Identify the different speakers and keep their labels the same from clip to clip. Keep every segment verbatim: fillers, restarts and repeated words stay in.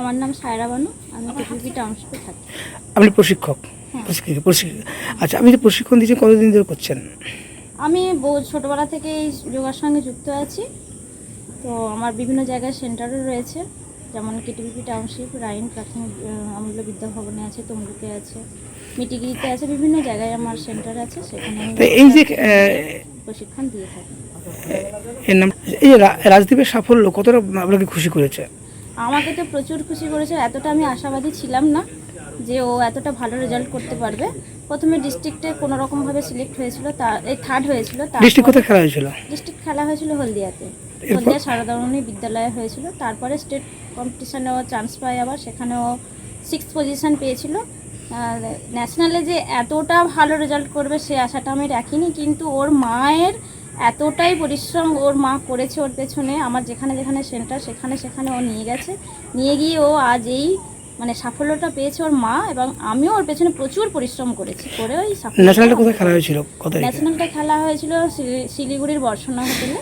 Speaker 1: আমার নাম সায়রা বানু, আমি টিপিপি টাউনশিপে থাকি।
Speaker 2: আপনি প্রশিক্ষক?
Speaker 1: হ্যাঁ।
Speaker 2: প্রশিক্ষক প্রশিক্ষক আচ্ছা, আপনি যে প্রশিক্ষণ দিচ্ছেন কতদিন ধরে করছেন?
Speaker 1: আমি বহু ছোটোবেলা থেকে এই যোগার সঙ্গে যুক্ত আছি। তো আমার বিভিন্ন জায়গায় সেন্টারও রয়েছে, যেমন কেটিপিপি টাউনশিপ, রাইন প্রাথমিক আমূল্য বিদ্যা ভবনে আছে, তমলুকে আছে, মিটিগিরিতে আছে, বিভিন্ন জায়গায় আমার সেন্টার আছে। সেখানে আমি
Speaker 2: তো এই যে
Speaker 1: প্রশিক্ষণ দিয়ে থাকি।
Speaker 2: এর নাম এই যে রা- রাজদীপের সাফল্য কতটা আপনাকে খুশি করেছে?
Speaker 1: আমাকে তো প্রচুর খুশি করেছে। এতটা আমি আশাবাদী ছিলাম না যে ও এতটা ভালো রেজাল্ট করতে পারবে। প্রথমে ডিস্ট্রিক্টে কোনো রকমভাবে সিলেক্ট হয়েছিল, তার এই থার্ড হয়েছিল।
Speaker 2: ডিস্ট্রিক্ট কোথায় খেলা হয়েছিল?
Speaker 1: ডিস্ট্রিক্ট খেলা হয়েছিল হলদিয়াতে,
Speaker 2: এরপর?
Speaker 1: হলদিয়া সারদামণি বিদ্যালয়ে হয়েছিল। তারপরে স্টেট কম্পিটিশানেও চান্স পায়, আবার সেখানেও সিক্স পজিশান পেয়েছিল। আর ন্যাশনালে যে এতটা ভালো রেজাল্ট করবে সে আশাটা আমি রাখিনি, কিন্তু ওর মায়ের এতটাই পরিশ্রম ওর মা করেছে ওর পেছনে। আমার যেখানে যেখানে সেন্টার সেখানে সেখানে ও নিয়ে গেছে, নিয়ে গিয়ে ও আজ এই মানে সাফল্যটা পেয়েছে ওর মা, এবং আমিও ওর পেছনে প্রচুর পরিশ্রম করেছি করে ওই সাফল্য।
Speaker 2: ন্যাশনালটা কোথায় খেলা হয়েছিল? কত তারিখে?
Speaker 1: ন্যাশনালটা খেলা হয়েছিল শিলি- শিলিগুড়ির বর্ষণা হোটেলে।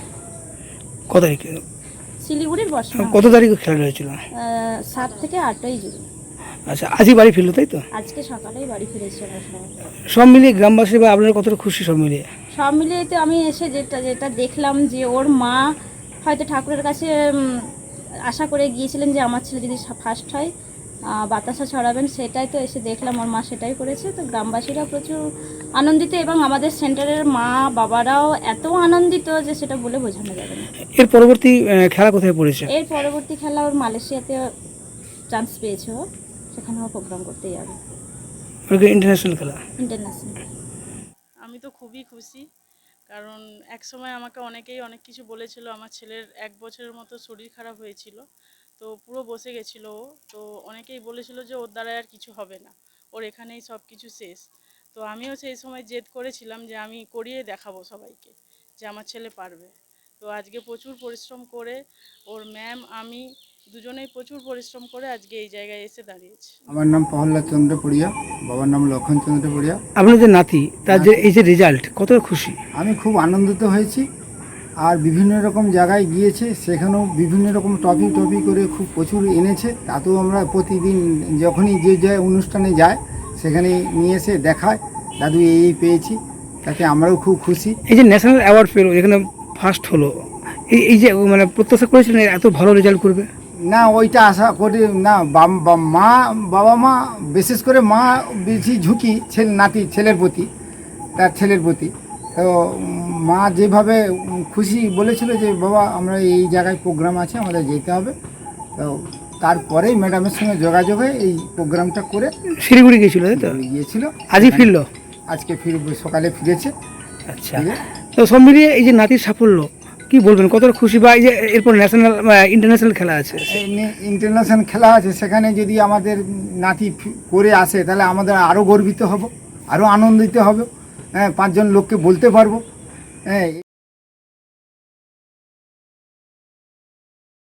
Speaker 2: কত তারিখে?
Speaker 1: শিলিগুড়ির বর্ষণা
Speaker 2: কত তারিখে খেলা হয়েছিল?
Speaker 1: আহ, সাত থেকে আটই জুন।
Speaker 2: আচ্ছা, আজই বাড়ি ফিরলো তাই তো?
Speaker 1: আজকে সকালেই বাড়ি ফিরেছি আমরা সবাই।
Speaker 2: সব মিলিয়ে গ্রামবাসী বা আপনারা কতটা খুশি সব মিলিয়ে?
Speaker 1: সব মিলিয়ে তো আমি এসে যেটা যেটা দেখলাম যে ওর মা হয়তো ঠাকুরের কাছে উম, আশা করে গিয়েছিলেন যে আমার ছেলে যদি ফার্স্ট হয় আহ, বাতাসা ছড়াবেন, সেটাই তো এসে দেখলাম ওর মা সেটাই করেছে। তো গ্রামবাসীরা প্রচুর আনন্দিত, এবং আমাদের সেন্টারের মা বাবারাও এত আনন্দিত যে সেটা বলে বোঝানো যাবে না।
Speaker 2: এর পরবর্তী আহ, খেলা কোথায় পড়েছে?
Speaker 1: এর পরবর্তী খেলা ওর মালয়েশিয়াতে চান্স পেয়েছে, ও সেখানেও প্রোগ্রাম করতে যাবে,
Speaker 2: ইন্টারন্যাশনাল খেলা।
Speaker 1: ইন্টারন্যাশনাল।
Speaker 3: আমি তো খুবই খুশি, কারণ এক সময় আমাকে অনেকেই অনেক কিছু বলেছিল। আমার ছেলের এক বছরের মতো শরীর খারাপ হয়েছিল, তো পুরো বসে গেছিলো ও। তো অনেকেই বলেছিল যে ওর দ্বারা আর কিছু হবে না, ওর এখানেই সব কিছু শেষ। তো আমিও সেই সময় জেদ করেছিলাম যে আমি করিয়ে দেখাবো সবাইকে যে আমার ছেলে পারবে। তো আজকে প্রচুর পরিশ্রম করে ওর ম্যাম আমি দুজনেই প্রচুর পরিশ্রম করে আজকে এই জায়গায় এসে দাঁড়িয়েছি।
Speaker 4: আমার নাম প্রহ্লাদ চন্দ্র পড়িয়া, বাবার নাম লক্ষণ চন্দ্র পড়িয়া।
Speaker 2: আপনার যে নাতি, তার যে এই যে রেজাল্ট, কতটা খুশি?
Speaker 4: আমি খুব আনন্দিত হয়েছি। আর বিভিন্ন রকম জায়গায় গিয়েছে, সেখানেও বিভিন্ন রকম টপিক টপিক করে খুব প্রচুর এনেছে। তাতেও আমরা প্রতিদিন যখনই যে যে অনুষ্ঠানে যায় সেখানে নিয়ে এসে দেখায় দাদু এই এই পেয়েছি, তাতে আমরাও খুব খুশি।
Speaker 2: এই যে ন্যাশনাল অ্যাওয়ার্ড পেলো, এখানে ফার্স্ট হলো, এই এই যে মানে প্রত্যাশা করেছিলেন এত ভালো রেজাল্ট করবে?
Speaker 4: না, ওইটা আশা করি না। বাম- বা- মা বাবা মা, বিশেষ করে মা বেশি ঝুঁকি ছেলে নাতি ছেলের প্রতি, তার ছেলের প্রতি। তো উম, মা যেভাবে উম, খুশি বলেছিল যে বাবা আমরা এই জায়গায় প্রোগ্রাম আছে, আমাদের যেতে হবে। তো তারপরেই ম্যাডামের সঙ্গে যোগাযোগ হয়ে এই প্রোগ্রামটা করে
Speaker 2: শিলিগুড়ি গিয়েছিল তাই তো?
Speaker 4: গিয়েছিল।
Speaker 2: আজই ফিরলো?
Speaker 4: আজকে ফির সকালে ফিরেছে।
Speaker 2: আচ্ছা,
Speaker 4: ঠিক আছে।
Speaker 2: তো সব মিলিয়ে এই যে নাতির সাফল্য কি বলবেন, কতটা খুশি? বা এই যে এরপর ন্যাশনাল ইন্টারন্যাশনাল খেলা আছে,
Speaker 4: ইন্টারন্যাশনাল খেলা আছে, সেখানে যদি আমাদের নাতি ফি- করে আসে তাহলে আমাদের আরও গর্বিত হব, আরও আনন্দিত হবে। হ্যাঁ, পাঁচজন লোককে বলতে পারবো। হ্যাঁ।